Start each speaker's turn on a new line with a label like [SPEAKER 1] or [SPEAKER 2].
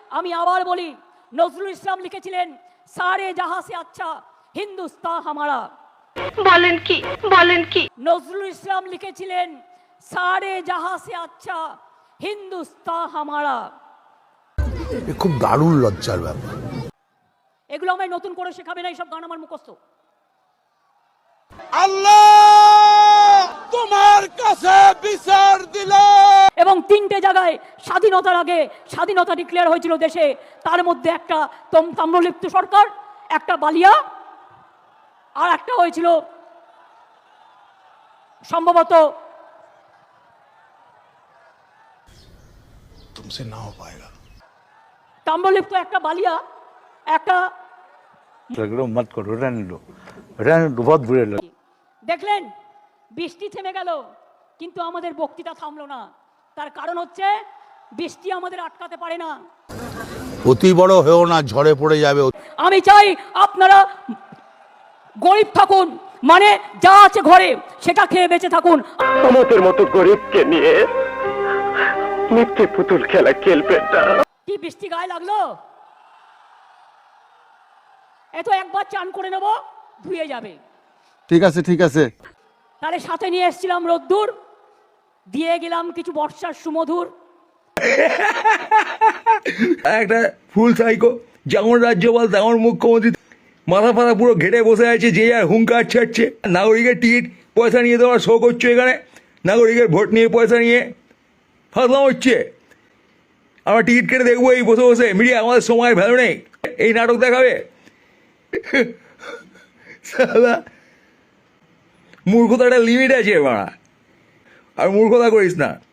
[SPEAKER 1] আমি আবার বলি, নজরুল ইসলাম লিখেছিলেন সারে জাহাঁ সে আচ্ছা হিন্দুস্তান হামারা।
[SPEAKER 2] বলেন কি
[SPEAKER 1] নজরুল ইসলাম লিখেছিলেন সারে জাহাঁ সে আচ্ছা হিন্দুস্তান হামারা।
[SPEAKER 3] খুব দারুণ লজ্জার ব্যাপার।
[SPEAKER 1] এগুলো আমায় নতুন করে শেখাবে না, এইসব গান আমার মুখস্থ।
[SPEAKER 4] আল্লাহ তোমার কাছে বিচার দিল।
[SPEAKER 1] এবং 3টে জায়গায় স্বাধীনতার আগে স্বাধীনতা ডিক্লেয়ার হয়েছিল দেশে, তার মধ্যে একটা তাম্রলিপ্ত সরকার, একটা বালিয়া, আর একটা হয়েছিল সম্ভবত
[SPEAKER 3] তুমসে না হো পায়েগা।
[SPEAKER 1] তাম্রলিপ্ত, একটা বালিয়া, একটা
[SPEAKER 5] मत करो, रहने दो बहुत बुरे लगे।
[SPEAKER 1] দেখলেন বৃষ্টি থেমে গেল, কিন্তু আমাদের বক্তৃতা থামলো না। তার কারণ হচ্ছে বৃষ্টি আমাদের আটকাতে পারে না।
[SPEAKER 3] অতি বড় হয়েও না, ঝড়ে পড়ে যাবে।
[SPEAKER 1] আমি চাই আপনারা গরিব থাকুন, মানে যা আছে ঘরে সেটা খেয়ে বেঁচে থাকুন।
[SPEAKER 6] আমাদের মতো গরিবকে নিয়ে মিথ্যে পুতুল খেলা খেলবেন না।
[SPEAKER 1] কি বৃষ্টি গায়ে লাগলো, এত একবার চান করে নেব, ধুয়ে যাবে।
[SPEAKER 4] ঠিক আছে ঠিক আছে।
[SPEAKER 1] তাহলে সাথে নিয়ে এসেছিলাম রোদ্দুর, দিয়ে গেলাম কিছু বর্ষার সুমধুর।
[SPEAKER 7] একটা ফুল সাইকো, যেমন রাজ্যপাল তেমন মুখ্যমন্ত্রী, মাথা ফাথা পুরো ঘেটে বসে আছে, যে আর হুঙ্কার ছাড়ছে। নাগরিকের টিকিট পয়সা নিয়ে দেওয়ার শো করছো এখানে, নাগরিকের ভোট নিয়ে পয়সা নিয়ে ফাঁসলাম হচ্ছে। আমরা টিকিট কেটে দেখবো এই বসে বসে, মিডিয়া আমাদের সময়ের ভ্যালু নেই, এই নাটক দেখাবে। সালা মূর্খতাটা লিমিট আছে বাড়া, আর মূর্খতা করিস না।